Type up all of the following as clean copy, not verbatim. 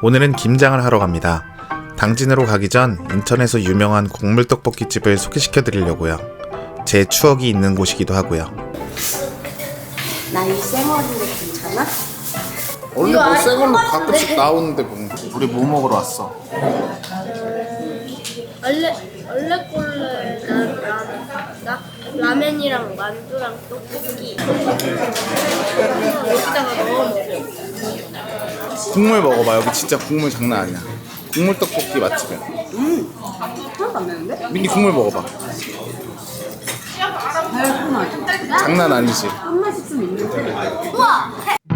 오늘은 김장을 하러 갑니다. 당진으로 가기 전 인천에서 유명한 곡물떡볶이집을 소개시켜 드리려고요. 제 추억이 있는 곳이기도 하고요. 나 이 생얼인데 괜찮아? 원래 뭐 생걸로 가끔씩 나오는데 뭐. 우리 뭐 먹으러 왔어? 원래 꼴레는 라면이랑 만두랑 떡볶이 여기다가 넣어 먹어. 국물 먹어봐. 여기 진짜 국물 장난 아니야. 국물 떡볶이 맛집이야. 하나도 안 되는데? 민기 국물 먹어봐. 달콤하지? 장난 아니지. 한 맛 있으면 있는데. 우와!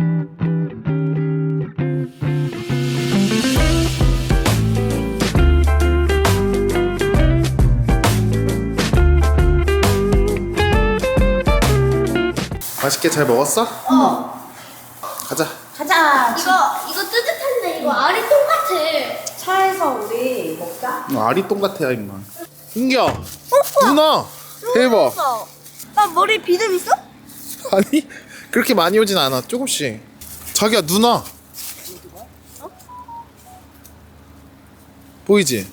맛있게 잘 먹었어? 가자. 가자. 이거 뜨뜻한데 이거 알이 똑같아. 차에서 우리 먹자. 아리똥 같아 임마. 민기야. 누나. 대박. 나 머리 비듬 있어? 아니 그렇게 많이 오진 않아. 조금씩. 자기야 누나. 보이지?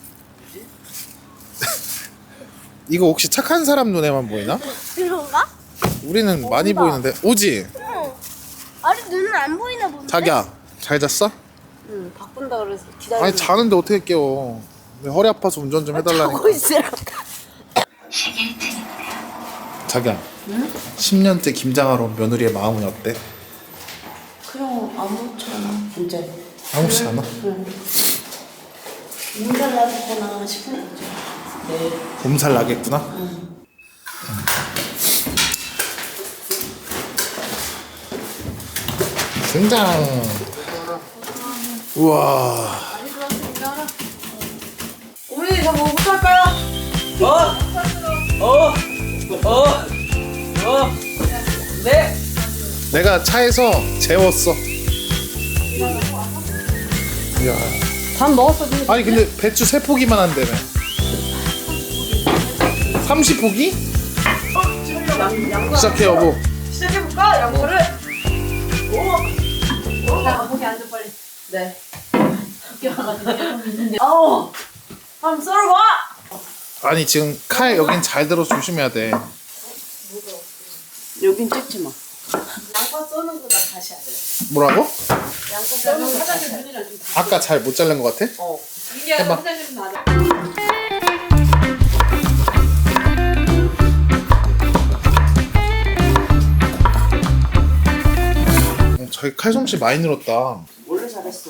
이거 혹시 착한 사람 눈에만 보이나? 그런가? 우리는 많이 보이는데. 오지? 응. 알이 눈은 안 보이나 본데? 자기야 잘 잤어? 응, 바꾼다 그래서 기다리고. 아니 자는데 어떻게 깨워. 왜 허리 아파서 운전 좀 해달라니까. 자고 있으라. 자기야. 응? 10년째 김장하러 온 며느리의 마음은 어때? 그럼 아무렇잖아. 이제 아무렇지 않아? 몸살 나겠구나 싶은 거지. 네. 몸살 나겠구나? 등장. 우와. 우리 저 뭐부터 할까요? 네. 내가 차에서 재웠어. 이야. 밥 먹었어. 아니 근데 배추 3포기만 한다며. 30포기? 시작해 여보. 시작해볼까? 양보를. 오. 자, 거기 앉아 빨리. 네. 어우. 한번 썰어봐. 아니 지금 칼 여긴 잘 들어 조심해야 돼. 여긴 찍지 마. 양파 써는 거 나 다시 할래. 뭐라고? 양파 써는 거 다시 할래. 아까 잘 못 자른 것 같아? 어. 해봐. 저희 칼솜씨 많이 늘었다. 원래 잘했어.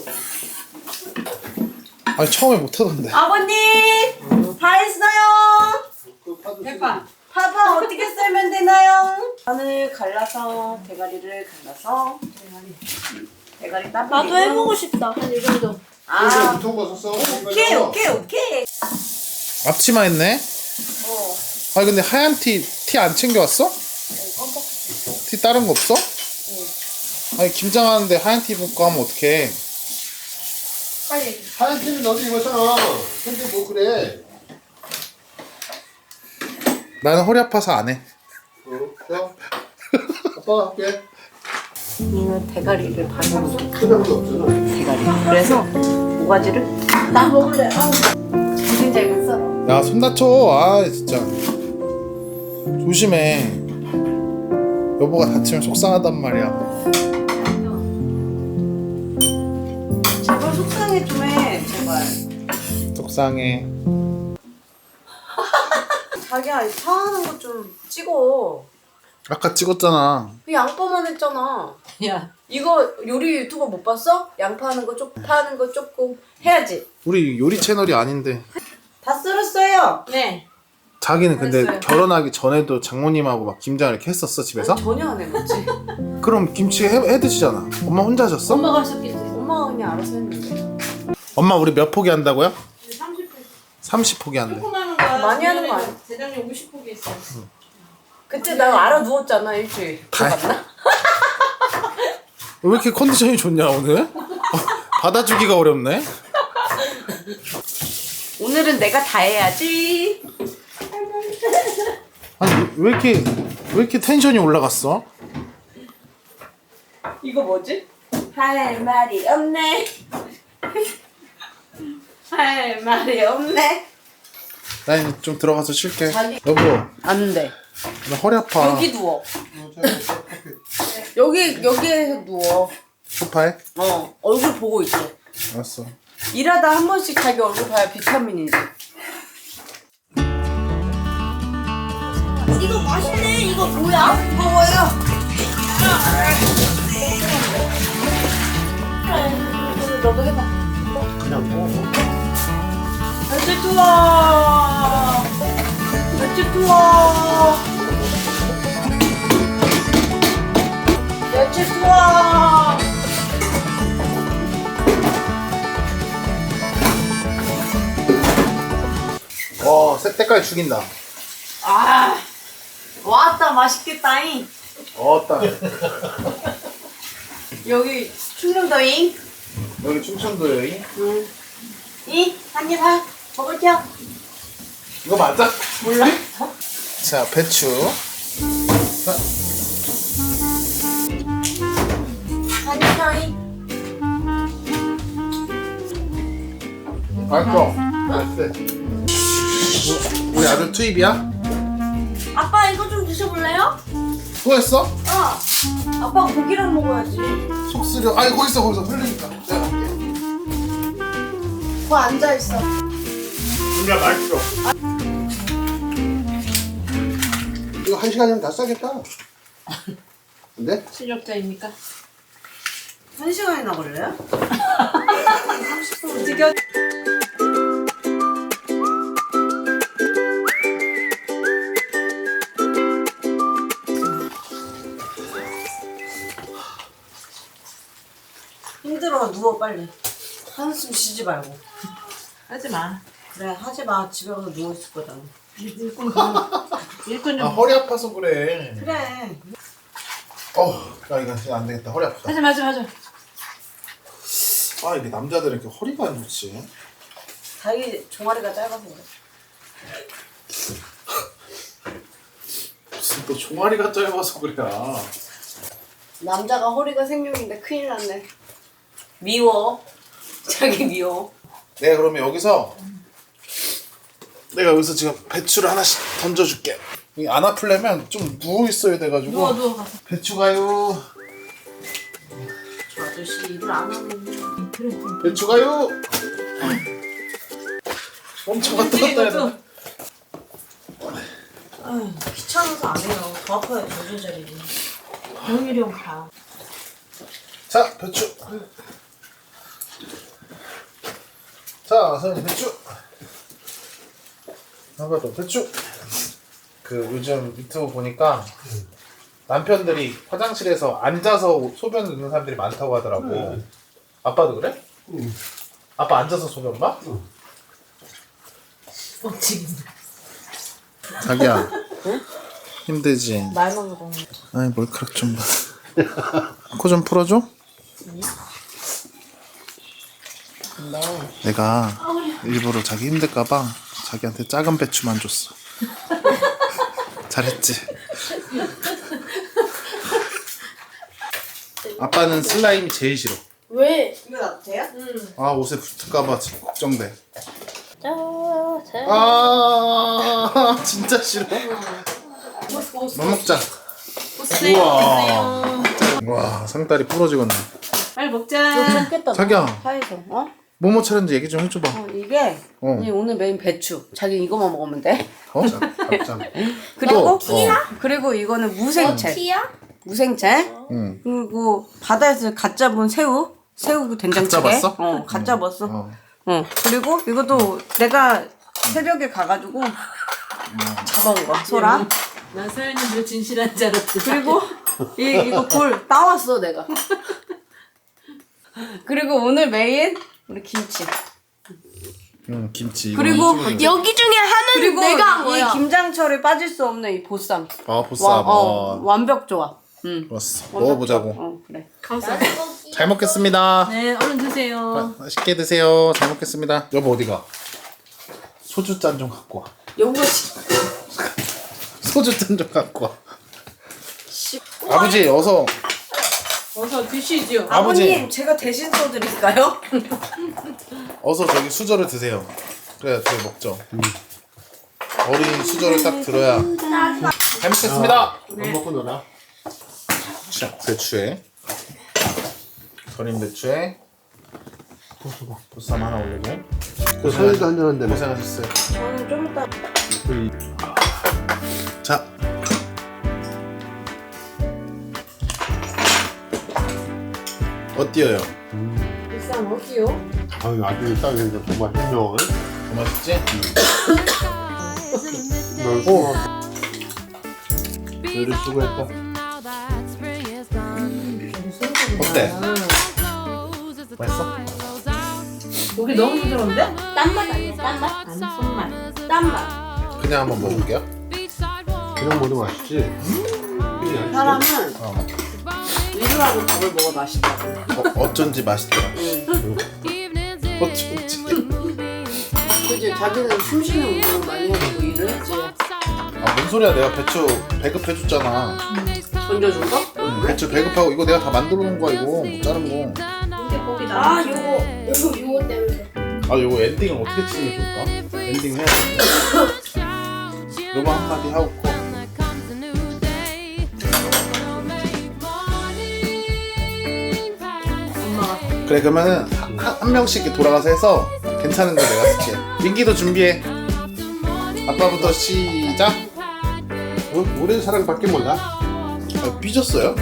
아니 처음에 못하던데. 아버님! 다 했어요! 대파. 파파 어떻게 썰면 되나요? 파를 갈라서, 대가리를 갈라서. 대가리 따. 나도 해보고 싶다. 한 이 정도. 아, 거 오케이. 앞치마 했네? 아니 근데 하얀 티 안 챙겨왔어? 티 다른 거 없어? 아니 김장하는데 하얀 티 입고 하면 어떡해. 빨리. 하얀 티는 너도 입었잖아. 근데 뭐 그래? 나는 허리 아파서 안 해. 자, 아빠가 할게. 이는 대가리를 반으로 필요도 없잖아. 대가리. 그래서 모가지를 나 먹을래. 무슨 잘못 썰어. 야 손 다쳐. 아 진짜 조심해. 여보가 다치면 속상하단 말이야. 제발 속상해 좀 해. 제발. 속상해. 자기야 사하는 거 좀 찍어. 아까 찍었잖아. 그 양파만 했잖아. 야 이거 요리 유튜버 못 봤어? 양파 하는 거 조금 파는 거 조금 해야지. 우리 요리 채널이 아닌데. 다 썰었어요. 네. 자기는 근데 됐어요. 결혼하기 전에도 장모님하고 막 김장을 이렇게 했었어 집에서? 전혀 안 해봤지. 그럼 김치 해 드시잖아. 엄마 혼자 하셨어? 엄마가 했었겠지. 엄마가 그냥 알아서 했는데. 엄마 우리 몇 포기 한다고요? 30포기 한대. 많이 하는 거 아니야? 대장님 50포기 했어요. 그때 나 알아 누웠잖아 일주일. 다 맞나? 왜 이렇게 컨디션이 좋냐 오늘? 받아주기가 어렵네. 오늘은 내가 다 해야지. 아니 왜 이렇게 텐션이 올라갔어? 이거 뭐지? 할 말이 없네. 할 말이 없네. 나 좀 들어가서 쉴게. 자기- 여보, 안 돼. 나 허리 아파. 여기 누워. 여기에 누워. 소파에? 얼굴 보고 있어. 알았어. 일하다 한 번씩 자기 얼굴 봐야 비타민이지. 이거 맛있네. 이거 뭐야? 무거워요. 너도 해봐. 그냥 먹어. 멸치 투어. 멸치 투어. 멸치 투어. 색깔 죽인다. 아, 왔다 맛있겠다잉. 어따. 여기 충청도잉. 여기 충청도에. 응. 한입 하. 먹을게요. 이거 맞아? 몰라. 자, 배추. 자, 한입 하잉. 맛있어. 맛있어. 우리 아들 투입이야? 아빠 이거 좀 드셔볼래요? 또 했어? 아빠 고기랑 먹어야지. 속쓰려. 아니, 거기서 흘리니까. 내가 갈게. 거 앉아 있어. 진짜 맛있어. 이거 1시간이면 다 싸겠다. 근데? 실력자입니까? 1시간이나 걸려요? 지겨. 힘들어. 누워 빨리. 한숨 쉬지 말고. 하지 마. 그래 하지 마. 집에 가서 누워 있을 거잖아. 일꾼 좀. 아, 허리 아파서 그래. 그래. 야, 이거 진짜 안 되겠다. 허리 아프다. 하지 마, 하지 마. 아, 이게 남자들은 이렇게 허리가 안 좋지. 자기 종아리가 짧아서 그래. 무슨 또 종아리가 짧아서 그래. 남자가 허리가 생명인데 큰일 났네. 미워. 자기 미워. 내가 그러면 내가 여기서 지금 배추를 하나씩 던져줄게. 이게 안 아플려면 좀 누워 있어야 돼가지고. 누워 가서. 배추 가요. 저 아저씨 일을 안 하면. 그래. 배추 가요. 엄청 갔다 갔다 해야 돼. 아휴, 귀찮아서 안 해요. 더 아파요. 더 조절이지. 병일이 형 가. 자, 배추. 자, 선생님 배추. 한번 더 배추. 그 요즘 유튜브 보니까 남편들이 화장실에서 앉아서 소변 넣는 사람들이 많다고 하더라고. 아빠도 그래? 아빠 앉아서 소변 봐? 뻥치긴다. 자기야. 힘들지? 말만 먹어. 아니, 머리카락 좀 봐. 코 좀 풀어줘? 내가 일부러 자기 힘들까봐 자기한테 작은 배추만 줬어. 잘했지? 아빠는 슬라임이 제일 싫어. 왜? 이거 놔도 돼요? 아, 옷에 붙을까봐 진짜 걱정돼. 자, 아, 진짜 싫어. 뭐 먹자. 우와. 와, 상다리 부러지겠네. 빨리 먹자. 좋겠다. 자기야. 파에서. 뭐뭐 차렸는지 얘기 좀 해줘봐. 이게 어. 이 오늘 메인 배추. 자기 이거만 먹으면 돼. 어? 잡장. 그리고 또, 그리고 이거는 무생채. 티야? 무생채. 응. 그리고 바다에서 갓 잡은 새우. 새우 된장찌개. 갓 잡았어? 갓 잡았어. 어. 그리고 이것도 내가 새벽에 가가지고 잡아온 거야. 소라. 난 서현님들 진실한 줄 알았지. 그리고 이거 굴 따왔어 내가. 그리고 오늘 메인 우리 김치. 김치. 그리고 여기 중에 하는 그리고 내가 한 이 거야. 김장철에 빠질 수 없는 이 보쌈. 아, 보쌈. 완벽 조합. 좋았어. 먹어보자고. 그래. 감사합니다. 잘 먹겠습니다. 네, 얼른 드세요. 맛있게 드세요. 잘 먹겠습니다. 여보 어디가? 소주 잔 좀 갖고 와. 요거 소주 잔 좀 갖고 와. 아버지 어서. 어서 드시죠. 아버지. 아버님 제가 대신 써드릴까요? 어서 저기 수저를 드세요. 그래야 저희 먹죠. 어린 수저를 딱 들어야. 잘 먹겠습니다. 밥 먹고 놀아. 자, 배추에 절인 배추에 보쌈 하나 올리고. 사이도 한잔 한다며. 고생하셨어요. 저는 좀 이따 자, 어때요? 비싼 어디요? 아유, 아주 싸게 생겨. 정말 현명해. 더 맛있지? 오. 요리 수고했다. 어때? 맛있어? 고기 너무 부드러운데? 딴맛 아니야, 딴맛? 아니 손맛. 딴맛. 그냥 한번 먹어볼게요. 그냥 먹어도 맛있지. 그냥 사람은 어. 위로하고 밥을 먹어 맛있다고. 어쩐지 맛있더라. 어쩐지. 그지? 자기는 숨쉬는 운동을 많이 해주고 일을 했지. 아, 뭔 소리야? 내가 배추 배급해줬잖아. 던져준 거? 배추 배급하고 이거 내가 다 만들어 놓은 거야, 이거. 자른 거. 이게 고기 나. 아, 요거 때문에. 아, 이거 엔딩을 어떻게 치는 게 좋을까? 엔딩 해야 돼. 요거 한마디 하고. 엄마가. 그래, 그러면은 한 명씩 이렇게 돌아가서 해서 괜찮은 거 내가 쓸게. 민기도 준비해. 아빠부터 시작. 우리 사랑밖에 몰라. 아, 삐졌어요?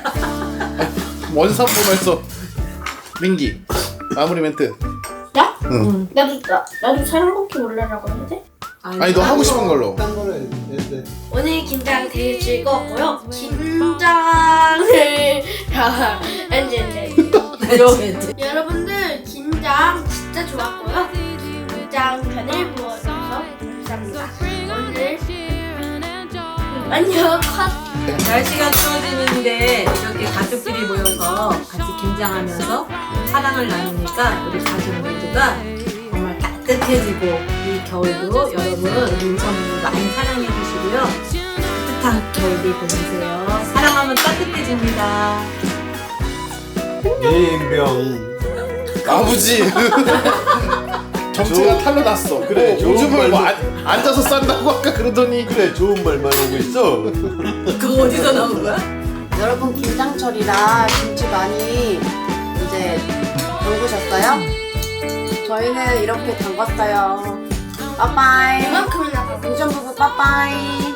원산 보면서 민기 마무리 멘트. 나? 응. 나도 사랑밖에 몰라라고 했는데? 아니, 너 하고 싶은 걸로. 딴 거는 했는데. 오늘 긴장 되게 즐거웠고요. 긴장을 했는데. 여러분들 긴장 진짜 좋았고요. 긴장 편을 보여줘서 감사합니다. 오늘 안녕 컷. 날씨가 추워지는데 이렇게 가족끼리 모여서 같이 긴장하면서 사랑을 나누니까 우리 가족 모두가 정말 따뜻해지고 이 겨울도 여러분 인천을 많이 사랑해 주시고요. 따뜻한 겨울이 보내세요. 사랑하면 따뜻해집니다. 예인병. 아버지. 정체가 탈로 났어. 그래, 좋은 요즘은 뭐 말로- 앉아서 싼다고 아까 그러더니. 그래, 좋은 말만 하고 있어. 그거 어디서 나온 거야? 여러분 김장철이라 김치 많이 이제 담그셨어요? 저희는 이렇게 담갔어요. 빠빠이. 이만큼이나 더. 우전 부부 빠빠이.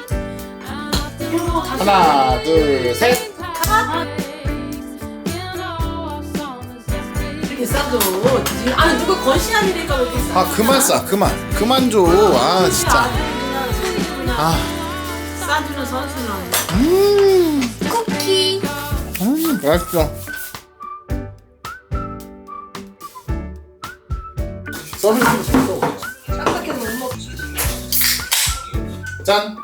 그리고 다시 하나, 둘, 셋. 이렇게 싸줘. 아 누가 건시안이니까 왜 이렇게 싸? 아, 그만 싸. 그만 줘. 아, 진짜. 아, 싸주는 선수는. 쿠키. 맛있어. 서비스 잘 써. 딱딱해서 못 먹지. 짠.